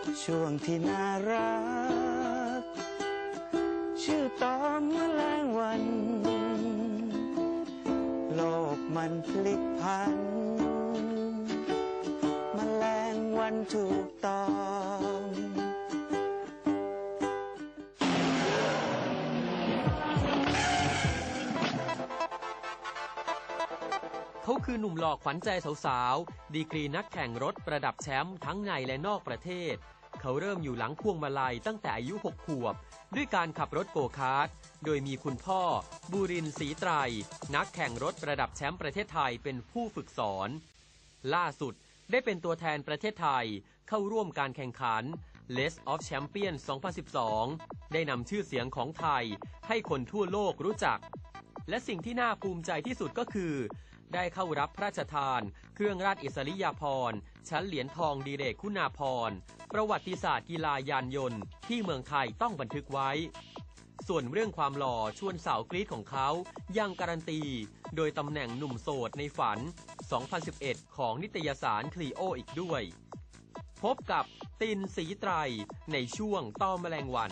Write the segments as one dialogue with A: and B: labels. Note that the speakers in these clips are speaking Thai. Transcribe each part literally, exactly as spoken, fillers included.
A: ช่วงที่น่ารักชื่อตอนแมลงวันโลกมันพลิกพันแมลงวันถูกต้อง
B: เขาคือหนุ่มหล่อขวัญใจสาวๆดีกรีนักแข่งรถประดับแชมป์ทั้งในและนอกประเทศเขาเริ่มอยู่หลังพวงมาลัยตั้งแต่อายุหกขวบด้วยการขับรถโกคาร์ทโดยมีคุณพ่อบูรินทร์ศรีไตรนักแข่งรถประดับแชมป์ประเทศไทยเป็นผู้ฝึกสอนล่าสุดได้เป็นตัวแทนประเทศไทยเข้าร่วมการแข่งขัน Race of Champions สองพันสิบสองได้นำชื่อเสียงของไทยให้คนทั่วโลกรู้จักและสิ่งที่น่าภูมิใจที่สุดก็คือได้เข้ารับพระราชทานเครื่องราชอิสริยาภรณ์ชั้นเหรียญทองดิเรกคุณาภรณ์ประวัติศาสตร์กีฬายานยนต์ที่เมืองไทยต้องบันทึกไว้ส่วนเรื่องความหล่อชวนสาวกรี๊ดของเขายังการันตีโดยตำแหน่งหนุ่มโสดในฝันสองพันสิบเอ็ดของนิตยสารคลีโออีกด้วยพบกับตินศรีไตรในช่วงต้อแมลงวัน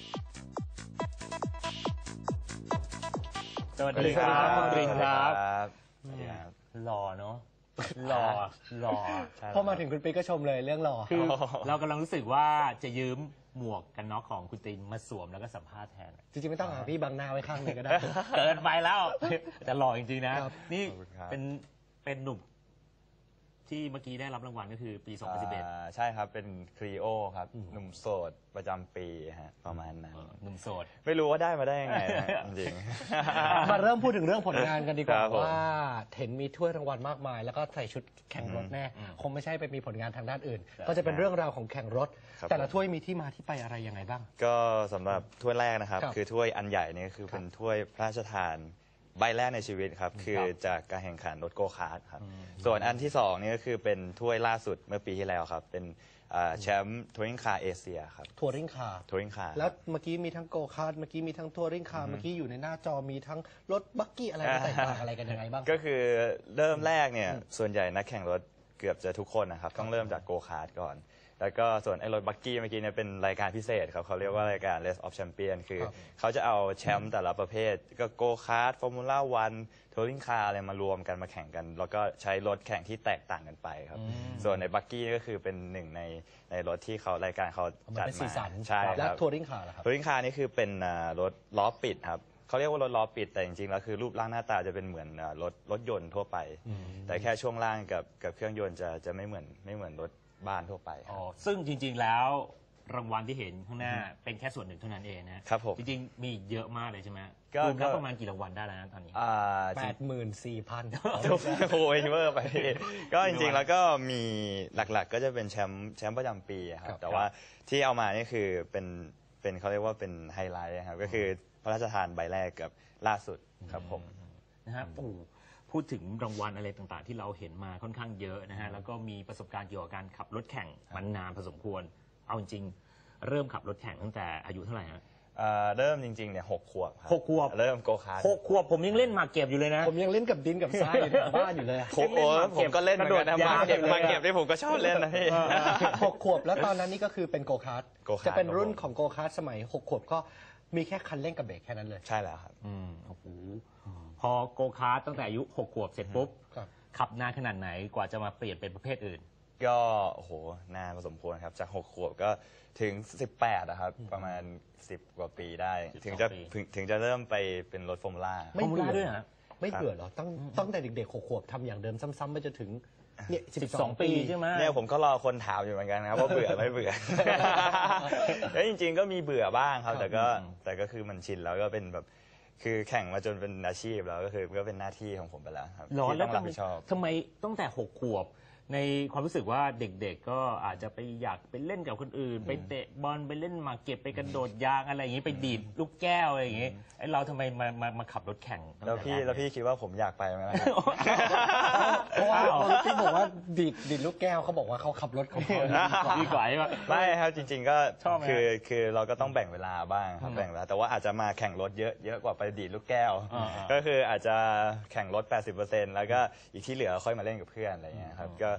C: สวัสดีครับคุณตินครับหล่อเนาะหล่อหล่อ
D: พอมาถึงคุณปิ๊กก็ชมเลยเรื่องหล่อ
C: คือเรากำลังรู้สึกว่าจะยืมหมวกกันน็อกของคุณตินมาสวมแล้วก็สัมภาษณ์แทน
D: จริงๆไม่ต้องหาพี่บังหน้าไว้ข้างนึงก็ได้
C: เกินไปแล้วแต่หล่อจริงๆนะนี่เป็นเป็นหนุ่มที่เมื่อกี้ได้รับรางวัลก็คือปีสองพันสิบเอ็ด
E: ใช่ครับเป็นครีโอครับหนุ่มโสดประจำปีฮะประมาณนั้น
C: หนุ่มโสด
E: ไม่รู้ว่าได้มาได้ยังไงจริง
D: ๆมาเริ่มพูดถึงเรื่องผลงานกันดีกว่าว่าเห็นมีถ้วยรางวัลมากมายแล้วก็ใส่ชุดแข่งรถแน่คงไม่ใช่ไปมีผลงานทางด้านอื่นก็จะเป็นเรื่องราวของแข่งรถแต่ละถ้วยมีที่มาที่ไปอะไรยังไงบ้าง
E: ก็สำหรับถ้วยแรกนะครับคือถ้วยอันใหญ่นี่คือเป็นถ้วยพระราชทานใบแรกในชีวิตครับคือจากการแข่งขันรถโกคาร์ทครับส่วนอันที่สองนี่ก็คือเป็นถ้วยล่าสุดเมื่อปีที่แล้วครับเป็นแชมป์ทัวริงคาร์เอเชียครับ
D: ทัวริงคาร์
E: ทัวริงคาร์
D: แล้วเมื่อกี้มีทั้งโกคาร์ทเมื่อกี้มีทั้งทัวริงคาร์เมื่อกี้อยู่ในหน้าจอมีทั้งรถบักกี้อะไรแตกต่างอะไรกันยังไงบ้าง
E: ก็คือเริ่มแรกเนี่ยส่วนใหญ่นักแข่งรถเกือบจะทุกคนนะครับต้องเริ่มจากโกคาร์ทก่อนแล้วก็ส่วนไอ้รถบักกี้เมื่อกี้เนี่ยเป็นรายการพิเศษครับเขาเรียกว่ารายการ Race of Champion คือเขาจะเอาแชมป์แต่ละประเภทก็โกคาร์ทฟอร์มูล่าวันทัวริงคาร์อะไรมารวมกันมาแข่งกันแล้วก็ใช้รถแข่งที่แตกต่างกันไปครับส่วนในบักกี้ก็คือเป็นหนึ่งในในรถที่เขารายการเขาจัดมา
D: ใช่ครับแล้วทัวริงคาร์ล่ะครับ
E: ทัวริงคาร์นี่คือเป็นรถล้อปิดครับเขาเรียกว่ารถล้อปิดแต่จริงๆแล้วคือรูปร่างหน้าตาจะเป็นเหมือนรถรถยนต์ทั่วไปแต่แค่ช่วงล่างกับกับเครื่องยนต์จะจะไม่เหมือนไม่เหมือนรถบ้านทั่วไป
C: อ๋อซึ่งจริงๆแล้วรางวัลที่เห็นข้างหน้าเป็นแค่ส่วนหนึ่งเท่านั้นเองนะครับ
E: ผม
C: จริงๆมีเยอะมากเลยใช่ไหมรวมแล้วประมาณกี่รางวัลได้แล้วนะตอนนี้
D: แปดหมื่นสี่พัน
E: โอ้ยเวอร์ไปก็จริงๆแล้วก็มีหลักๆก็จะเป็นแชมป์แชมป์ประจำปีครับแต่ว่าที่เอามานี่คือเป็นเป็นเขาเรียกว่าเป็นไฮไลท์ครับก็คือพระราชทานใบแรกกับล่าสุดครับผม
C: นะฮะพูดถึงรางวัลอะไรต่างๆที่เราเห็นมาค่อนข้างเยอะนะฮะแล้วก็มีประสบการณ์เกี่ยวกับการขับรถแข่งมันนานพอสมควรเอาจริงเริ่มขับรถแข่งตั้งแต่อายุเท่าไหร่ฮะ
E: เริ่มจริงๆเนี่ยหกขวบ
C: หกขวบ
E: เริ่มโกคาร์ท
C: หกขวบผมยังเล่นหมากเก็บอยู่เลยนะ
D: ผมยังเล่นกับดินกับทรายอยู่ในบ้านอยู่เลย
E: ผมผมก็เล่นกระโดดหมากเก็บหมากเก็บที่ผมก็ชอบเล่นนะพี่
D: หกขวบแล้วตอนนั้นนี่ก็คือเป็นโกคาร์ทจะเป็นรุ่นของโกคาร์ทสมัยหกขวบก็มีแค่คันเร่งกับเบรกแค่นั้นเลย
E: ใช่แล้วครับ
C: อืมโอ้โหพอโกคาร์ทตั้งแต่อายุหกขวบเสร็จปุ๊บขับนานขนาดไหนกว่าจะมาเปลี่ยนเป็นประเภทอื่น
E: ก็โอ้โหนานพอสมควรครับจากหกขวบก็ถึงสิบแปดนะครับประมาณสิบกว่าปีได้ถึงจะถึงจะเริ่มไปเป็นรถฟอร์มูล่า
D: ไม่เบื่อด้วยฮะไม่เบื่อหรอตั้งตั้งแต่เด็กๆหกขวบทำอย่างเดิมซ้ำๆไปจนถึงเนี่ยสิบสองปีใช่ไหม
E: เนี่ยผมก็รอคนถามอยู่เหมือนกันนะครับว่าเบื่อไม่เบื่อแล้วจริงๆก็มีเบื่อบ้างครับแต่ก็แต่ก็คือมันชินแล้วก็เป็นแบบคือแข่งมาจนเป็นอาชีพแล้วก็คือก็เป็นหน้าที่ของผมไปแล้วครับ
C: ที่ต้องรับผิดชอบทำไมตั้งแต่หกขวบในความรู้สึกว่าเด็กๆก็อาจจะไปอยากไปเล่นกับคนอื่นไปเตะบอลไปเล่นหมากเก็บไปกระโดดยางอะไรอย่างนี้ไปดีดลูกแก้วอะไรอย่างนี้ไอ้เราทำไมมามามาขับรถแข่ง
E: แล้วพี่แล้วพี่คิดว่าผมอยากไปไหมล่ะ
D: เพราะว่าพี่บอกว่าดีดดีดลูกแก้วเขาบอกว่าเขาขับรถของเขา
C: ดีกว่า
E: ไม่ครับจริงๆก็คือคือเราก็ต้องแบ่งเวลาบ้างครับแบ่งเวลาแต่ว่าอาจจะมาแข่งรถเยอะเยอะกว่าไปดีดลูกแก้วก็คืออาจจะแข่งรถ แปดสิบเปอร์เซ็นต์ แล้วก็อีกที่เหลือค่อยมาเล่นกับเพื่อนอะไรอย่างเงี้ยครับก็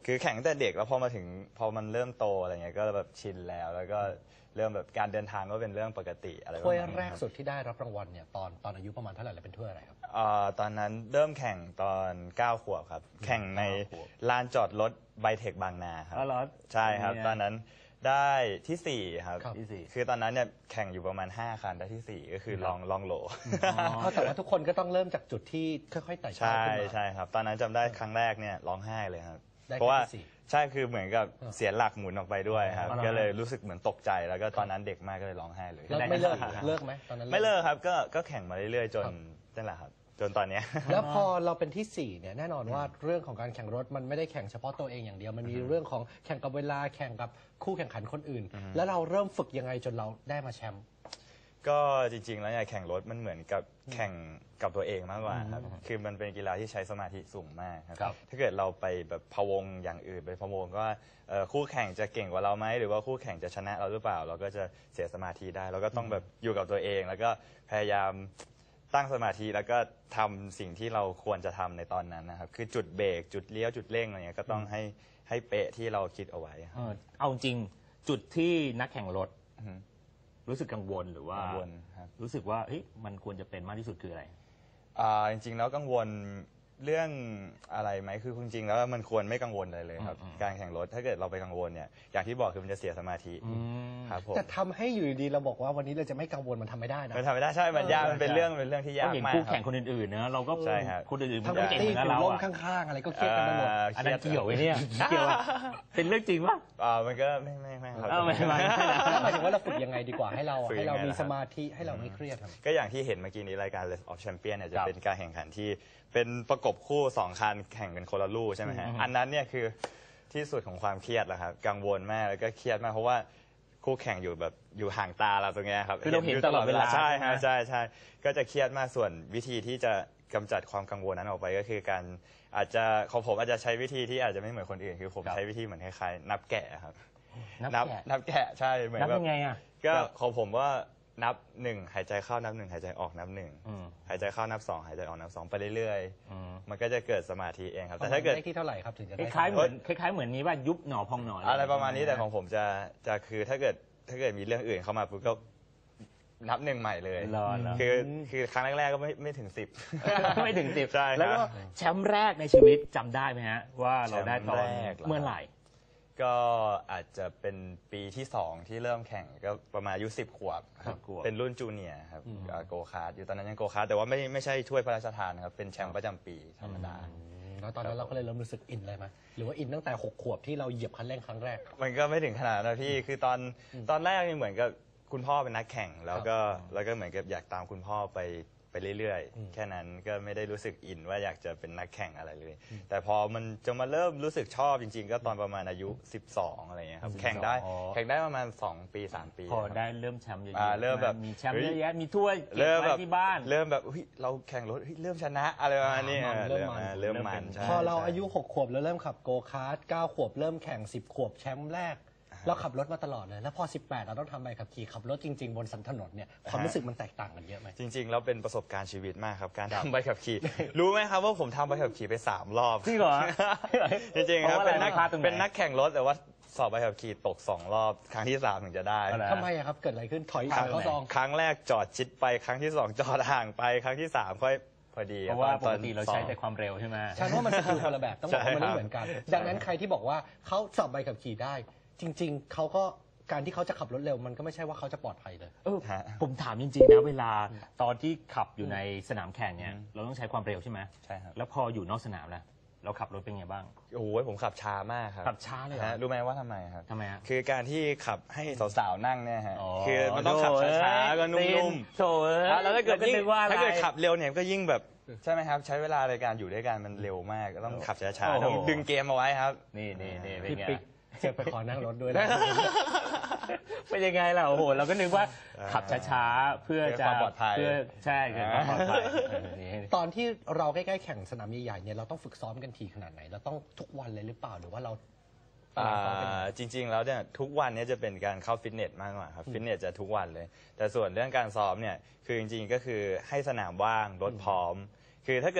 E: คือแข่งตั้งแต่เด็กแล้วพอมาถึงพอมันเริ่มโตอะไรเงี้ยก็แบบชินแล้วแล้วก็เริ่มแบบการเดินทางก็เป็นเรื่องปกติอะไรประ
D: ถ้วย
E: มาณนี้
D: แรก
E: ครับ
D: สุดที่ได้รับรางวัลเนี่ยตอนตอนอายุประมาณเท่าไหร่และเป็นถ้วยอะไรครับ
E: เอ่อตอนนั้นเริ่มแข่งตอนเก้าขวบครับ แข่งในลานจอดรถไบเทคบางนาครับ
C: อ๋อเหรอ
E: ใช่ครับ
C: เนี่ย
E: ตอนนั้นได้ที่สี่ครับ
D: ครับ
C: ที่สี่
E: คือตอนนั้นเนี่ยแข่งอยู่ประมาณห้าคันได้ที่สี่ก็คือลองลองโหล
D: เพราะแต่ว่าทุกคนก็ต้องเริ่มจากจุดที่ค่อยๆไต่เต้า
E: ใช่
D: ขึ้นมา
E: ใช่ครับ ตอนนั้นจำได้ครั้งแรกเนี่ยร้องไห้เลยครับ
D: ได้แค่
E: เพราะว่า
D: ที่สี่
E: ใช่คือเหมือนกับเสียหลักหมุนออกไปด้วยครับ
C: อ๋อเหรอ
E: ก็เลยรู้สึกเหมือนตกใจแล้วก็ตอนนั้นเด็กมากก็เลยร้องไห้เลย
D: แล้วไม่เลิกเลิกไหมตอนนั้น
E: ไม่เลิกครับก็ก็แข่งมาเรื่อยๆจน
D: ครับ
E: นั่นแหละครับจนตอนเนี้ย
D: แล้วพอเราเป็นที่สี่เนี่ยแน่นอนว่าเรื่องของการแข่งรถมันไม่ได้แข่งเฉพาะตัวเองอย่างเดียว มันมีเรื่องของแข่งกับเวลาแข่งกับคู่แข่งขันคนอื่น แล้วเราเริ่มฝึกยังไงจนเราได้มาแชมป์
E: ก็จริงๆ แล้วเนี่ยแข่งรถมันเหมือนกับแข่งกับตัวเองมากกว่าครับ คือมันเป็นกีฬาที่ใช้สมาธิสูงมากครับ
C: ครับ
E: ถ้าเกิดเราไปแบบพะวงอย่างอื่นไปพะวงว่าเอ่อคู่แข่งจะเก่งกว่าเราไหมหรือว่าคู่แข่งจะชนะเราหรือเปล่า เราก็จะเสียสมาธิได้ เราก็ต้องแบบอยู่กับตัวเอง แล้วก็พยายามตั้งสมาธิแล้วก็ทำสิ่งที่เราควรจะทำในตอนนั้นนะครับ คือจุดเบรกจุดเลี้ยวจุดเร่งอะไรเงี้ยก็ต้องให้ให้เป๊ะที่เราคิดเอาไว้ครับ
C: เออเอาจริงจุดที่นักแข่งรถ
E: อือฮึ
C: รู้สึกกังวลหรือว่า
E: กังวลครับ
C: รู้สึกว่าเฮ้ยมันควรจะเป็นมากที่สุดคืออะไร
E: อ่าจริงๆแล้วกังวลเรื่องอะไรไหมคือจริงๆแล้วมันควรไม่กังวลอะไรเลยครับ
C: อืม
E: การแข่งรถถ้าเกิดเราไปกังวลเนี่ยอย่างที่บอกคือมันจะเสียสมาธิครับผม
D: แต่ทำให้อยู่ดีๆเราบอกว่าวันนี้เราจะไม่กังวลมันทำไม่ได้นะ
E: มันทำไม่ได้ใช่มันยากมันเป็นเรื่องเป็นเรื่องที่
C: ก็
E: ยาก
C: เห็น
E: มาก
C: คู่
E: ครั
C: แข่ง
E: บ
C: คนอื่นๆนะเราก็
E: ใช่ครับ
C: คนอื่นๆ
D: ทั้ง
C: มัน
D: พิ
C: ก็
D: ต
C: เก่งเห
D: ตี้
C: มือนกับ
D: ถือ
C: เรา
D: ร่ม
C: อะ
D: ข้างๆ อะไรก็เครียดกันไปหมด
C: อันนั้นเกี่ยวไว้เนี่ยเกี่ยวอะเป็นเรื่องจริงปะ
E: อ่ามันก็ไม่ไม่ไม่ครับ
C: เออไม่ไม่
D: แล้วหมายถึงว่าเราฝึกยังไงดีกว่าให้เรา
E: ฝึก
D: ให้
E: ยังไง
D: เรามี
E: ล่ะครับ
D: สมาธิให้เราไม่เครียดครับ
E: ก็อย่างที่เห็นเมื่อกี้นี้รายการ Race of Champion เนี่ยจะ
C: ครับ
E: เป็นการแข่งขันที่เป็นประกบคู่สองคันแข่งกันคนละลู่ใช่ไหมฮะ
C: อืม
E: อันนั้นเนี่ยคือที่สุดของความเครียดแล้วครับกังวลมากแล้วก็เครียดมากเพราะว่าคู่แข่งอยู่แบบอยู่ห่างตาเราตรงเนี้ยครับ
C: คือเราเห็นตลอดเวลา
E: ใช่
C: ใช่ไหม
E: ฮะใช่ใช่ก็จะเครียดมากส่วนวิธีที่จะกำจัดความกังวลนั้นออกไปก็คือการอาจจะของผมอาจจะใช้วิธีที่อาจจะไม่เหมือนคนอื่น คือผมใช้วิธีเหมือนคล้ายๆนับแกะครับ
C: นับแกะ
E: นับแกะใช่เหมือน
C: นับ
E: แบบ
C: ยังไงอะ
E: ก็ของผมว่านับหนึ่งหายใจเข้านับหนึ่งหายใจออกนับหนึ่ง
C: อืม
E: หายใจเข้านับสองหายใจออกนับสองไปเรื่อย
C: อืม
E: ๆ มันก็จะเกิดสมาธิเองครับ
D: แต่
E: แต่
D: ถ้า
E: ถ้า
D: เกิ
E: เกิ
D: ด
E: ด
D: ที่เท่าไหร่ครับถึงจะ
C: ค
D: ได้
C: ล้ายๆเหมือนคล้ายๆเหมือนนี้ว่ายุบหนอพองหนอ
E: อะไรประมาณนี้แต่ของผมจะจะคือถ้าเกิดถ้าเกิดมีเรื่องอื่นเข้ามาปุ๊บก็นับหนึ่งใหม่เลย
C: รอรอ
E: คือคือครั้งแรกๆก็ไม่ไม่ถึงสิบ
C: ไม่ถึงสิบ
E: ใช่ครับ
C: แล้วก็แชมป์แรกในชีวิตจำได้ไหมฮะ ว่าเราได้ตอน
E: แชมป์แรกเหรอ
C: เมื่อไหร่
E: ก็อาจจะเป็นปีที่สองที่เริ่มแข่งก็ประมาณอายุสิบขวบครับ
C: สิบขวบ
E: เป็นรุ่นจูเนียร์ครับอ่าโกคาร์ดอยู่ตอนนั้นยังโกคาร์ดแต่ว่าไม่ไม่ใช่ถ้วยพระราชทานนะครับเป็นแชมป์ประจำปีธรรมดา
D: แล้วตอนนั้นเราก็เลยเริ่มรู้สึกอินเลยไหมหรือว่าอินตั้งแต่หกขวบที่เราเหยียบคันเร่งครั้งแรก
E: มันก็ไม่ถึงขนาดนั้นนะพี่ คือตอนตอนแรกนี่เหมือนกับคุณพ่อเป็นนักแข่ง แล้วก็แล้วก็เหมือนกับอยากตามคุณพ่อไปไปเรื่อยๆ แค่นั้นก็ไม่ได้รู้สึกอินว่าอยากจะเป็นนักแข่งอะไรเลย แต่พอมันจะมาเริ่มรู้สึกชอบจริง ๆ ก็ตอนประมาณอายุสิบสองอะไรเงี้ยครับ แข่งได้
C: อ๋อ
E: แข่งได้ประมาณสองปีสามปี
C: พอ
E: ครับ
C: ได้เริ่มแชมป์เยอะ
E: อ่า
C: ๆ
E: เริ่มแบบ
C: มีแชมป์
E: เฮ้ย
C: เยอะแยะมีถ้วยเก็บ
E: เริ่มแบ
C: ไว้
E: บ
C: ที่บ้าน
E: เริ่มแบบเฮ้ยเราแข่งรถเฮ้ยเริ่มชนะอะไรประมาณนี้
D: อ่า
E: เออ
D: เริ่
E: เริ่
D: ม
E: ม
D: มัน
E: มาเริ่มมันใช่
D: พอเรา
E: ใช่
D: อายุหกขวบแล้วเริ่มขับโกคาร์ทเก้าขวบเริ่มแข่งสิบขวบแชมป์แรก เราขับรถมาตลอดเลย แล้วพอสิบแปดเราต้องทำใบขับขี่ขับรถจริง ๆ บนสันถนนเนี่ยความรู้สึกมันแตกต่างกันเยอะไหม
E: จริงๆแล้วเป็นประสบการณ์ชีวิตมากครับ การทำใบขับขี่ รู้ไหมครับว่าผมทำใบขับขี่ไปสามรอบ
C: จริงเหรอ
E: จริงๆครับ
C: เพราะว่า
E: เป็นนัก
C: อะไรพลาดตรงไหน
E: เป็นนักแข่งรถแต่ว่าสอบใบขับขี่ตกสองรอบ ครั้งที่สามถึงจะได้
C: อะไร
D: ทำไมอะครับ เกิดอะไรขึ้น ถอย
E: ครั้ง
D: เขาซอง
E: ครั้งแรกจอดชิดไปครั้งที่สองจอดห่างไปครั้งที่สามค่อยพอดี
C: เพราะว่าป
E: ตอก น
C: ติเรา
E: สอ
C: ใช้
E: ง
C: แต่ความเร็วใช่ไหม
D: ฉันว่ามันสกิลคนละแบบ ต้องบอกว่ามัน
E: ใช่
D: ไม่
E: ครับ
D: เหมือนกัน ดังนั้นใครที่บอกว่าเขาสอบใบขับขี่ได้ จริง ๆ เขาก็การที่เขาจะขับรถเร็วมันก็ไม่ใช่ว่าเขาจะปลอดภัยเลย
C: เออ
E: ฮะ
C: ผมถามจริงๆนะเวลาตอนที่ขับอยู่ในสนามแข่งเนี่ยเราต้องใช้ความเร็วใช่ไหม
E: ใช่ครับ
C: แล้วพออยู่นอกสนามล่ะเราขับรถเป็นไงบ้าง
E: โอ้โหผมขับช้ามากครับ
C: ขับช้าเลยเหรอ
E: ฮะรู้ไหมว่าทำไมครับ
C: ทำไมฮะ
E: คือการที่ขับให้สาวๆนั่งเนี่ยฮะ
C: อ๋อ
E: คือมันต้องขับช้าๆก็นุ่มๆ
C: โถเอ้ย
E: อ่ะแล้วถ้าเกิด
C: ร
E: ยิ่ง
C: นึว่าอะไร
E: ถ้าเกิดขับเร็วเนี่ยก็ยิ่งแบบใช่ไหมครับ ใช้เวลาในการอยู่ด้วยกันมันเร็วมากก็ต้องขับช้า
C: โอ้โห
E: ๆต้องดึงเกมเอาไว้ครับ
C: นี่นี่นี่เป็น
D: พี่
C: ไง
D: ปิ๊กจะไปขอนั่งรถด้วยนะ
C: เป็นยังไงล่ะโอ้โหเราก็นึกว่าขับช้าๆเพื่อจะ
E: เพื่อความปลอดภัย
C: เพื่อใช่เกิดความปลอดภัยเออนี่
D: ตอนที่เราใกล้ๆแข่งสนามใหญ่ๆเนี่ยเราต้องฝึกซ้อมกันทีขนาดไหน เราต้องทุกวันเลยหรือเปล่าหรือว่าเรา
E: อ่
D: ซ้อมกันยังไง
E: าจริง ๆ แล้วเนี่ยทุกวันเนี้จะเป็นการเข้าฟิตเนสมากกว่าครับฟิตเนสจะทุกวันเลย แต่ส่วนเรื่องการซ้อมเนี่ยคือจริงๆก็คือให้สนามว่างรถพร้อม คือถ้าเกิด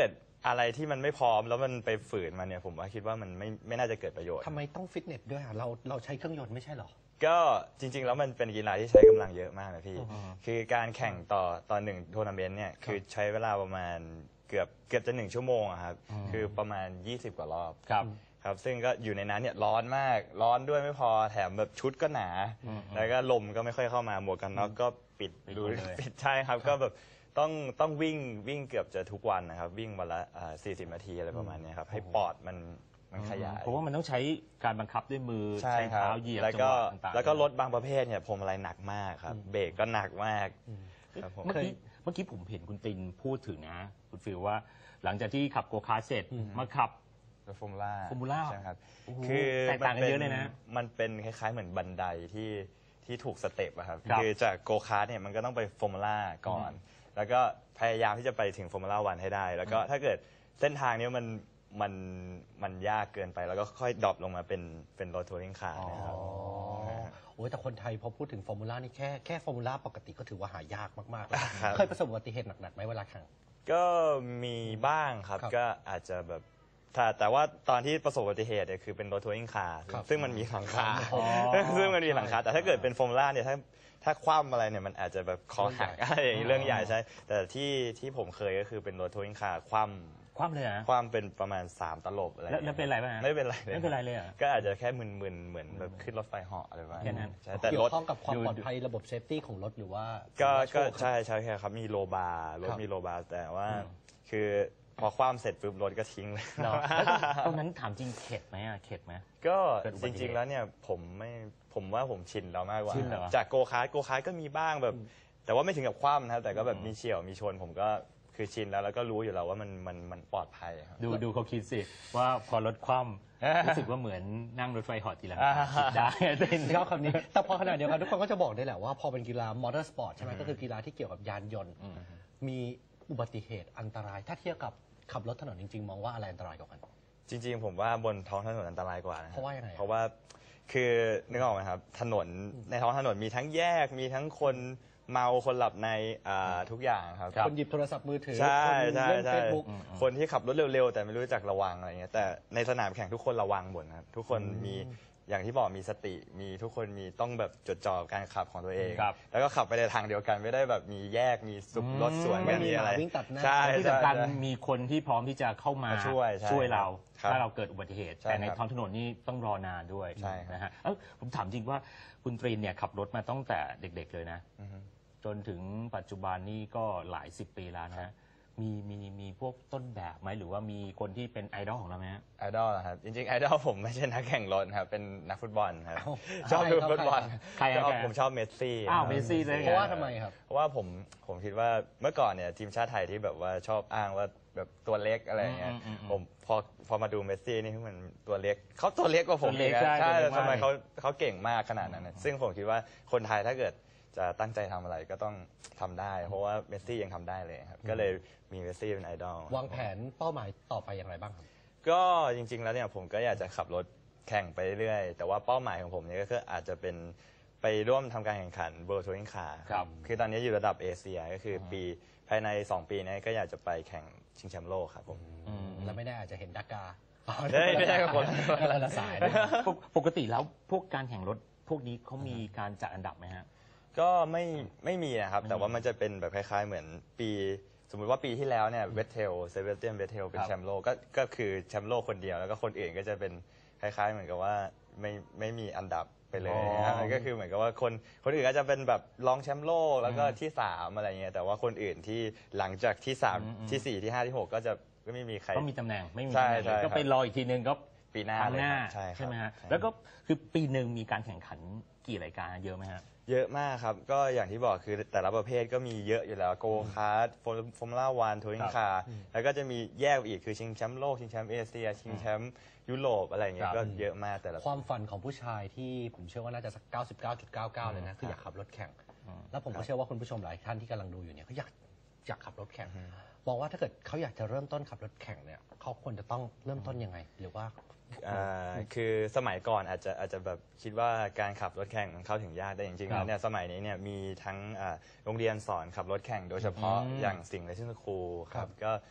E: อะไรที่มันไม่พร้อมแล้วมันไปฝืนมันเนี่ยผมว่าคิดว่ามันไม่ไม่น่าจะเกิดประโยชน์
D: ทำไมต้องฟิตเนสด้วยอ่ะเราเราใช้เครื่องยนต์ไม่ใช่เหรอ
E: ก็จริงๆแล้วมันเป็นกีฬาที่ใช้กำลังเยอะมากนะพี่ คือการแข่งต่อต่อหนึ่งทัวร์นาเมนต์เนี่ยคือใช้เวลาประมาณเกือบเกือบจะหนึ่งชั่วโมงอะครับคือประมาณยี่สิบกว่ารอบ
C: ครับ
E: ครับซึ่งก็อยู่ในนั้นเนี่ยร้อนมากร้อนด้วยไม่พอแถมแบบชุดก็หนา แล้วก็ลมก็ไม่ค่อยเข้ามาหมวกกันน็อกก็ปิด
C: ปิด
E: ดู
C: หมดเลย
E: ปิดใช่ครับก็แบบต้องต้องวิ่งวิ่งเกือบจะทุกวันนะครับ วิ่งวันละสี่สิบนาทีอะไรประมาณเนี้ยครับให้ปอดมันมันขยาย
C: เพราะว่ามันต้องใช้การบังคับด้วยมือ
E: ใช่ครับ
C: เท้าเหยียบ
E: แล้ว
C: จัง
E: ก็
C: หวะต่างๆ
E: แล้วก็รถบางประเภทเนี่ยพวงมาลัยหนักมากครับเบรกก็หนักมากครับผม
C: เมื่อกี้เมื่อกี้ผมเห็นคุณตินพูดถึงนะคุณฟิลว่า หลังจากที่ขับโกคาร์ทเสร็จมาขับ
E: ฟอร์มูล่า
C: Formula
E: ใช่ครับ
C: โอ้โห
E: คือ
C: แตกต่างกันเยอะเลยนะ
E: มันเป็นคล้ายๆเหมือนบันไดที่ที่ถูกสเต็ปอะครับ
C: ครับ
E: คือจากโกคาร์ทเนี่ยมันก็ต้องไปฟอร์มูล่าก่อน แล้วก็พยายามที่จะไปถึงฟอร์มูล่าวันให้ได้ แล้วก็ถ้าเกิดเส้นทางเนี้ยมันมันมันยากเกินไป แล้วก็ค่อยดรอปลงมาเป็นเป็นรถทัวริงคาร์นะครับ
D: โอ้ยแต่คนไทยพอพูดถึงฟอร์มูล่านี่แค่แค่ฟอร์มูล่าปกติก็ถือว่าหายากมากๆแล้ว
E: ครับ
D: เคยประสบอุบัติเหตุหนักๆไหมเวลาแข่ง
E: ก็มีบ้างครับ
D: ครับ
E: ก็อาจจะแบบแต่แต่ว่าตอนที่ประสบอุบัติเหตุเนี่ยคือเป็นรถทัวริงคาร์
D: ครับ
E: ซึ่งมันมีหลังคา
C: อ๋อ
E: ซึ่งมันมีหลังคาแต่ถ้าเกิดเป็นฟอร์มูล่าเนี่ยถ้าถ้าคว่ำอะไรเนี่ยมันอาจจะแบบคอหักอะไรอย่างนี้เรื่องใหญ่ใช่แต่ที่ที่ผมเคยก็คือเป็นรถทัวริงคาร์คว่ำ
C: คว่ำเลยนะ
E: คว่ำเป็นประมาณสามตลบอะไร
C: แล้วแล้วเป็นไรบ้างฮะ
E: ไม่เป็นไรเลย
C: ไม่เป็นไรเลยเหรอ
E: ก็อาจจะแค่มึนๆเหมือนแบบขึ้นรถไฟเหาะอะไรประมาณ
C: แค่นั้น
E: ใช่แต่
D: เกี่ย
E: ร
D: ว
E: ถ
D: ข้องกับความ
C: ดู
D: ปลอดภัยระบบเซฟตี้ของรถหรือว่า
E: ก็
D: หรือว่าโช
E: ก็
D: คครับ
E: ใช่ใช่ครับมีโลบาร์รถ
D: ครับ
E: มีโลบาร์แต่ว่าคือพอคว่ำเสร็จปุ๊บรถก็ทิ้งเลย
C: เนาะแล้วตอนนั้นถามจริงเข็ดไหมอะเข็ดไหม
E: ก็
C: เกิดอุ
E: จ
C: บัติเหตุ
E: ริง ๆ แล้วเนี่ยผมไม่ผมว่าผมชินแล้วมากกว่า
C: ชินเหรอ
E: จากโกคาร์ทโกคาร์ทก็มีบ้างแบบ แต่ว่าไม่ถึงกับคว่ำนะครับแต่ก็แบบมีเฉี่ยวมีชน ผมก็คือชินแล้วแล้วก็รู้อยู่แล้วว่ามันมันมันปลอดภัยครับ
C: ดูดูเขาคิดสิ ว่าพอรถคว่ำรู้สึกว่าเหมือนนั่งรถไฟเหอทีหลังคิดได้เต้น
D: ชอบคำนี้ แต่พอขนาดเดียวกันทุกคนก็จะบอกได้แหละว่าพอเป็นกีฬามอเตอร์สปอร์ตใช่ไหมก็คือกีฬาที่เกี่ยวกับยานยนต์ มีอุบัติเหตุอันตราย ถ้าเทียบกับขับรถถนนจริง ๆ มองว่าอะไรอันตรายกว่ากัน
E: จริง ๆ ผมว่าบนท้องถนนอันตรายกว่านะคบ
D: เพราะว่ายังไงอะ
E: เพราะว่าคือนึกออกไหมครับถนนในท้องถนนมีทั้งแยกมีทั้งคนเมาคนหลับในอ่าทุกอย่างครับ
D: คนหยิบโทรศัพท์มือถือ
E: ใช่
D: คน
E: ใช่
D: เล่น
E: ใช่
D: เฟซบุ๊ก
E: คนที่ขับรถเร็วๆ แต่ไม่รู้จักระวังอะไรเงี้ยแต่ในสนามแข่งทุกคนระวังหมดนะครับทุกคนมีอย่างที่บอกมีสติมีทุกคนมีต้องแบบจดจ่อกับการขับของตัวเอง
C: ครับ
E: แล้วก็ขับไปในทางเดียวกันไม่ได้แบบมีแยกมีสุบรถสวน
D: ไม่
E: กัน
D: มี
E: มีอะไร
D: หมาวิ่งตัดหน้า
E: ใช่
C: ที่สำคัญ
E: ใช่
C: มีคนที่พร้อมที่จะเข้ามา
E: มาช่วยใช่
C: ช่วยเรา
E: ครับ
C: ถ้าเราเกิดอุบัติเหตุ
E: ใช่
C: แต่ใน
E: ครับ
C: ท้องถนนนี่ต้องรอนานด้วย
E: ใช่ครับ
C: นะฮะเอ้าผมถามจริงว่าคุณตรีนเนี่ยขับรถมาตั้งแต่เด็ก ๆ เลยนะ
E: อือฮึ
C: จนถึงปัจจุบันนี่ก็หลายสิบปีแล้วนะฮะมีมีมีพวกต้นแบบไหมหรือว่ามีคนที่เป็นไอดอลของเราไหมฮะ
E: ไอดอลเหรอครับจริงๆไอดอลผมไม่ใช่นักแข่งรถครับเป็นนักฟุตบอลครับ
D: เอ้า
E: ชอบดู
D: ใครครับ
E: ฟุตบอล
C: ใครครับ
E: ชอบ
C: ใครครับ
E: ผมชอบเมสซี่
C: อ้าวเมสซี่เลย
D: เพราะว่าทำไมครับ
E: เพราะว่าผมผมคิดว่าเมื่อก่อนเนี่ยทีมชาติไทยที่แบบว่าชอบอ้างว่าแบบตัวเล็กอะไรอย่างเงี้ย
C: อืมอืมอืม
E: ผมพอพอมาดูเมสซี่นี่มันตัวเล็กเขาตัวเล็กกว่าผม
C: ตัวเล็
E: อี
C: ก
E: กนะ
C: ใช่
E: ใช่
C: ตัวเล็กมาก
E: ทำไมเขาเขาเก่งมากขนาดนั้นนะซึ่งผมคิดว่าคนไทยถ้าเกิดจะตั้งใจทำอะไรก็ต้องทำได้ เพราะว่าเมสซี่ยังทำได้เลยครับก็เลยมีเมสซี่เป็นไอดอล
D: วางแผนเป้าหมายต่อไปอย่างไรบ้างครับ
E: ก็จริง ๆ แล้วเนี่ยผมก็อยากจะขับรถแข่งไปเรื่อยๆแต่ว่าเป้าหมายของผมเนี่ยก็คืออาจจะเป็นไปร่วมทำการแข่งขัน World Touring Car
C: ครับ
E: คือตอนนี้อยู่ระดับเอเชียก็คือปีภายใน สอง ปีนี้ก็อยากจะไปแข่งชิงแชมป์โลกครับผม
C: อืม
D: แล้วไม่ได้อาจจะเห็นดากา
E: เฮ้ยไม่ใช่ครับคน
D: คนละสายนะ
C: ปกปกติแล้วพวกการแข่งรถพวกนี้เขามีการจัดอันดับไหมฮะ
E: ก็ไม่ไม่มีนะครับ แต่ว่ามันจะเป็นแบบคล้ายๆ เหมือนปี สมมุติว่าปีที่แล้วเนี่ยเวทเทลเซเบสเตียนเวทเทลเป็น
C: ครับ
E: แชมป์โลกก็ก็คือแชมป์โลกคนเดียวแล้วก็คนอื่นก็จะเป็นคล้าย ๆ เหมือนกับว่าไม่ไม่มีอันดับไปเลยนะครับก็คือเหมือนกับว่าคนคนอื่นก็จะเป็นแบบรองแชมป์โลกแล้วก็ที่สามอะไรเงี้ยแต่ว่าคนอื่นที่หลังจากที่สามที่สี่ที่ห้าที่หกก็จะก็ไม่มีใคร
C: ก็มีตำแหน่งไม่มี
E: ใช่
C: ตำแหน่ง
E: ใช่
C: ก็
E: ครับ
C: ไปรออีกทีนึงก็
E: ปีหน้า
C: ครั้งหน้า
E: เลยครับใช่ครับ
C: ไหมฮะ
E: ใช่
C: แล้วก็คือปีหนึ่งมีการแข่งขันกี่รายการเยอะไหมฮะ
E: เยอะมากครับ ก็อย่างที่บอกคือแต่ละประเภทก็มีเยอะอยู่แล้วโกคาร์ดฟอร์มูล่าวันทัวริงคาร์แล้วก็จะมีแยกอีกคือชิงแชมป์โลกชิงแชมป์เอเชียชิงแชมป์ยุโรปอะไรอย่างเงี้
C: ครั
E: ย
C: บ
E: ก็เยอะมากแต่ละ
D: ความฝันของผู้ชายที่ผมเชื่อว่าน่าจะสัก เก้าสิบเก้าจุดเก้าเก้า เลยนะ คืออยากขับรถแข่ง แล้วผมก็เชื่อว่าคุณผู้ชมหลายท่านที่กำลังดูอยู่เนี่ยเขาอยากอยากขับรถแข่งมองว่าถ้าเกิดเขาอยากจะเริ่มต้นขับรถแข่งเนี่ยเขาควรจะต้องเริ่มต้นยังไง หรือว่า
E: อ่าคือสมัยก่อนอาจจะอาจจะแบบคิดว่าการขับรถแข่งมันเข้าถึงยากแต่จริงๆ
C: ครับ
E: แล้วเนี่ยสมัยนี้เนี่ยมีทั้งอ่าโรงเรียนสอนขับรถแข่งโดยเฉพาะ
C: อืม
E: อย่างสิงห์เลซิ่งสคูลค
D: ครั
E: รับบ ก็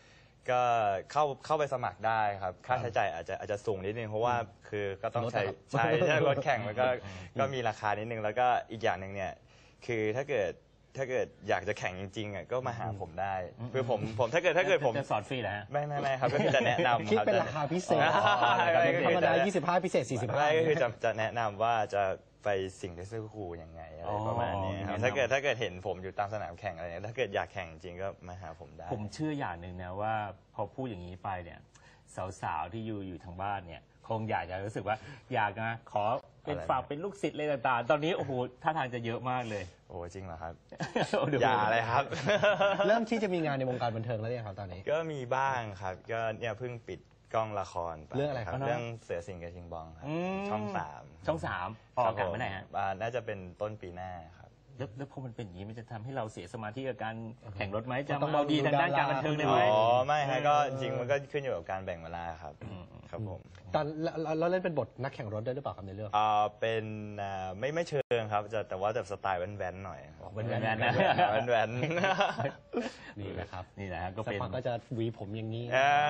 E: ก็เข้าเข้าไปสมัครได้ครับค่าใช้จ่ายอาจจะอาจจะสูงนิดนึงเพราะว่าคือก็ต้องใช้ใช้ใช้รถแข่งมันก็ก็มีราคานิดนึงแล้วก็อีกอย่างหนึ่งเนี่ยคือถ้าเกิดถ้าเกิดอยากจะแข่งจริงๆอ่ะก็มาหาผมได้คือผมผมถ้าเกิดถ้าเกิดผม
C: จะสอนฟรีเหรอฮะ
E: ไม่ไม่ไม่ครับก็คือจะแนะนำ
D: คิด
E: ครับ
D: เป็น
E: จะ
D: ราคาพิเศษ
E: อ๋อ
D: ธรรมดายี่สิบห้าพิเศษสี่สิบห้า
E: ไม่ก็คือจะจะแนะนำว่าจะไปสิ่งที่ซื้อครูยังไงอะไรประมาณนี้ครับ
C: อ๋อ
E: ถ้าเกิดถ้าเกิดเห็นผมอยู่ตามสนามแข่งอะไรเงี้ยถ้าเกิดอยากแข่งจริงก็มาหาผมได้
C: ผมเชื่ออย่างหนึ่งนะว่าพอพูดอย่างนี้ไปเนี่ยสาวๆที่อยู่อยู่ทางบ้านเนี่ยคงอยากจะรู้สึกว่าอยากนะขอเป็น
E: อะไรนะ
C: ฝากเป็นลูกศิษย์อะไรต่างๆ ตอนนี้โอ้โหท่าทางจะเยอะมากเลย
E: โอ้จริงเหรอครับ
C: เดี๋ว
E: อย่าเลยครับ
D: เริ่มที่จะมีงานในวงการบันเทิงแล้วเนี่ยครับตอนนี้
E: ก็มีบ้างครับก็เนี่ยเพิ่งปิดกล้องละครป
D: เรื่องอะไรครับ
E: เรื่องเสือสิงห์กับชิงบองครับ
C: อืม
E: ช่องสาม
C: ช่องสามออกอากาศเมื่อไหร่ฮะ
E: อ่าน่าจะเป็นต้นปีหน้าครับ
C: แล้วแล้วพอมันเป็นอย่างนี้มันจะทำให้เราเสียสมาธิกับการแข่งรถไหมจะ
D: ต้อง
C: มาเอาดี
D: ดู
C: ทางด้าน
D: ดารา
C: การบันเทิงเลย
E: อ๋
C: ไหม
E: อไม่ฮะก็จริงๆมันก็ขึ้นอยู่กับการแบ่งเวลาครับครับผม
D: ตอนเราเราเล่นเป็นบทนักแข่งรถด้วยหรือเปล่าครับในเรื่อง
E: อ่าเป็นอ่าไม่ไม่เชิงครับจะแต่ว่าแบบสไตล์แว้นๆหน่อยครับ
C: แว้นๆนะ
E: แว้น
D: นี่แหละครับ
C: นี่แหละฮะก็
D: สัก
C: เป็น
D: พักก็จะหวีผมอย่างนี้
E: ๆอ่า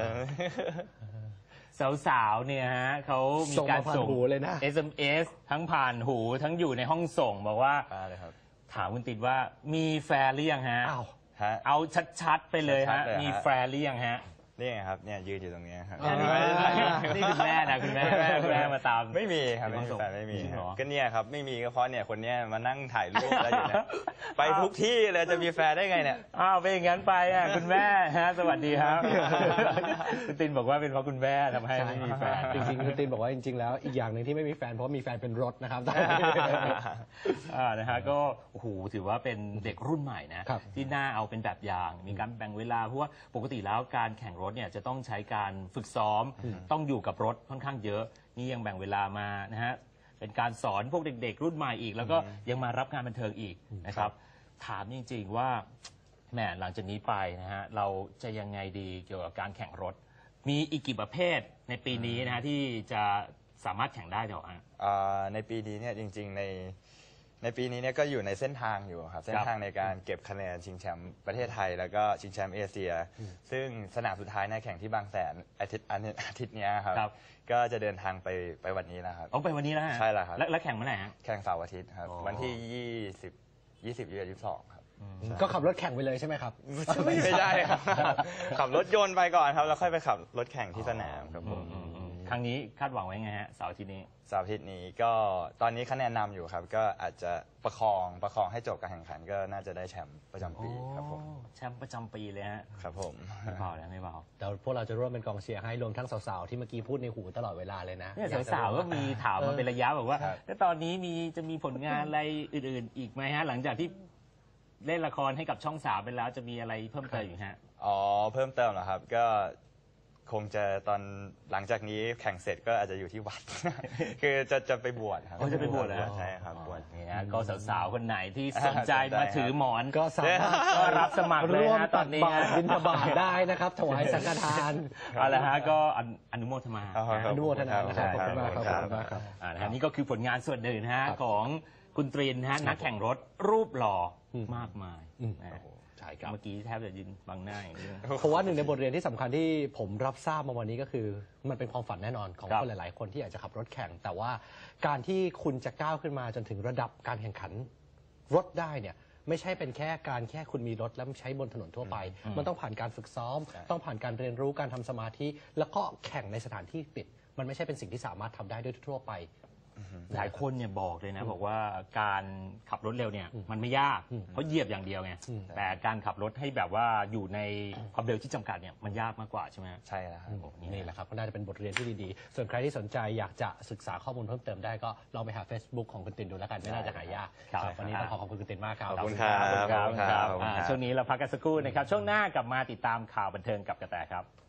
C: สาวๆเนี่ยฮะเขามี
D: ส่ง
C: การ
D: มาผ่าน
C: ส่ง
D: หูเลยนะ
C: เอส เอ็ม เอส ทั้งผ่านหูทั้งอยู่ในห้องส่งบอกว่า
E: มาเลยครับ
C: ถามคุณติดว่ามีแฟนหรือยังฮะ
D: อ้าว
E: ฮะ
C: เอาชัดๆไปเลย
E: ชั
C: ฮะ
E: ดๆเลยฮะ
C: มีแฟนหรือยังฮะ
E: นี่ไงครับเนี่ยยืนอยู่ตรงนี้ครับ
D: อ่า
C: นี่คุณแม่นะคุณแม่คุณแม่มาตาม
E: ไม่มีครับ
C: ไม่
E: ไม่
C: ส่
E: มี
C: ง
E: แฟนไม่มี
C: จริง
E: ค
C: เหร
E: รั
C: อ
E: บก็เนี่ยครับไม่มีก็เพราะเนี่ยคนเนี้ยมานั่งถ่ายรูปแล้วอยู่เนี่ยไปทุกที่เลยจะมีแฟนได้ไงเนี่ย
C: อ้าวเป็นอย่างนั้นไปอ่ะคุณแม่ฮะสวัสดีครับคุณตินบอกว่าเป็นเพราะคุณแม่ทำให้ไม่มีแฟน
D: จริงๆคุณตินบอกว่าจริงๆแล้วอีกอย่างหนึ่งที่ไม่มีแฟนเพราะมีแฟนเป็นรถนะครับ
C: อ่านะฮะก็โอ้โหถือว่าเป็นเด็กรุ่นใหม่นะครับ ที่น่าเอาเป็นแบบอย่างมีการแบ่งเวลาเพราะว่าปกติแล้วการแข่งรถเนี่ยจะต้องใช้การฝึกซ้อม ต้องอยู่กับรถค่อนข้างเยอะ นี่ยังแบ่งเวลามานะฮะเป็นการสอนพวกเด็ก ๆ รุ่นใหม่อีก แล้วก็ยังมารับงานบันเทิงอีกนะครับถามจริงๆว่าแหมหลังจากนี้ไปนะฮะเราจะยังไงดีเกี่ยวกับการแข่งรถ มีอีกกี่ประเภทในปีนี้นะฮะที่จะสามารถแข่งได้เดี๋ยวอ่ะ
E: อ่าในปีนี้เนี่ยจริงๆในในปีนี้เนี่ยก็อยู่ในเส้นทางอยู่ครับเส้นทางในการเก็บคะแนนชิงแชมป์ประเทศไทย แล้วก็ชิงแชมป์เอเชีย ซึ่งสนามสุดท้ายในยแข่งที่บางแสนอาทิตย์อาทิตย์อาทิตย์เนี้ยครับ
C: ครับ
E: ก็จะเดินทางไปไปวันนี้แล้วครับ
C: เอาไปวันนี้แล้วฮะ
E: ใช่แล้วครับ
C: แล้วแข่งเมื่อไหร่ฮะ
E: แข่งเสาร์อาทิตย์ครับ
C: อ๋อ
E: วันที่ยี่สิบยี่สิบยี่สิบสองครับ
D: ก็ขับรถแข่งไปเลยใช่ไหมครับ
E: ไม่ใช่ครับ ขับรถยนต์ไปก่อนครับแล้วค่อยไปขับรถแข่งที่สนามครับผม
C: ครั้งนี้คาดหวังไว้ไงฮะเสาร์อาทิตย์นี้
E: เสาร์อาทิตย์นี้ก็ตอนนี้คะแนนนำอยู่ครับ ก็อาจจะประคองประคองให้จบการแข่งขันก็น่าจะได้แชมป์ประจำปีครับผม
C: แชมป์ประจำปีเลยฮะ
E: ครับผม
C: ไม่เบาเลยไม่เบา
D: เดี๋ยวพวกเราจะร่วมเป็นกองเชียร์ให้รวมทั้งสาวๆที่เมื่อกี้พูดในหูตลอดเวลาเลยนะ
C: เนี่ย
D: อยจะ
C: สาวๆก็มีถามมาเป็นระยะบอกว่า
E: ครับ
C: แล้วตอนนี้มีจะมีผลงานอะไรอื่นๆ อีกไหมฮะ หลังจากที่เล่นละครให้กับช่องสามไปแล้วจะมีอะไรเพิ่มเติมอยู่ฮะ
E: อ๋อเพิ่มเติมเหรอครับ ก็คงจะตอนหลังจากนี้แข่งเสร็จก็อาจจะอยู่ที่วัด คือจะจะไปบวชครับ
C: อ๋อจะไปบวชเหรอ
E: ใช่ครับบวช
C: นี่ฮะก็สาวๆคนไหนที่สนใจ
E: สนใจ
C: มาถือหมอน
D: ก็สามารถ
C: ก็รับสมัครเลย
D: ร่วม
C: ฮะต
D: ตั
C: อน
D: ก
C: นี้
D: บาตร
C: ฮะ
D: บิณฑบาตได้นะครับ ถวายสังฆทาน
C: เอาละฮะก็อนุอนุโมทนา
E: ครับ
D: อนุโมทนานะครับ
E: ขอบคุณมาก
D: ขอบคุณมากครับ
C: อ่านะฮะนี่ก็คือผลงานส่วนหนึ่งนะฮะ
D: ครับ
C: ของคุณตรีนนะฮะนักแข่งรถรูปหล่ออ
D: ม
C: มากมาย
D: อืม
C: นะฮะ
D: ใช่ครับ
C: เมื่อกี้แทบจะยืนบังหน้าอย่างนี้
D: เพราะว่าหนึ่งในบทเรียนที่สำคัญที่ผมรับทราบมาวันนี้ก็คือ มันเป็นความฝันแน่นอนของ
C: ครับ
D: คนหลาย ๆ คนที่อยากจะขับรถแข่ง แต่ว่าการที่คุณจะก้าวขึ้นมาจนถึงระดับการแข่งขันรถได้เนี่ยไม่ใช่เป็นแค่การแค่คุณมีรถแล้วใช้บนถนนทั่วไป มันต้องผ่านการฝึกซ้อม ต้องผ่านการเรียนรู้การทำสมาธิ แล้วก็แข่งในสถานที่ปิด มันไม่ใช่เป็นสิ่งที่สามารถทำได้ด้วยทั่วไป
C: หลายคนเนี่ยบอกเลยนะ บอกว่าการขับรถเร็วเนี่ยมันไม่ยากเพราะเหยียบอย่างเดียวไง
D: อืม
C: แต่การขับรถให้แบบว่าอยู่ในความเร็วที่จำกัดเนี่ยมันยากมากกว่าใช่ไหมฮะ
E: ใช่แล้วครับ
D: นี่แหละครับก็น่าจะเป็นบทเรียนที่ดีๆ ส่วนใครที่สนใจอยากจะศึกษาข้อมูลเพิ่มเติมได้ก็ลองไปหา Facebook ของคุณตินดูแล้วกันไม่น่าจะหายาก
C: ครับ
D: วันนี้ต้องขอขอบคุณคุณตินมากครับ
E: ขอบคุณครับ
C: ขอบคุณครับ
E: ขอบคุณครับ
C: อ่าช่วงนี้เราพักกันสักครู่นะครับช่วงหน้ากลับมาติดตามข่าวบันเทิงกับกระแตครับ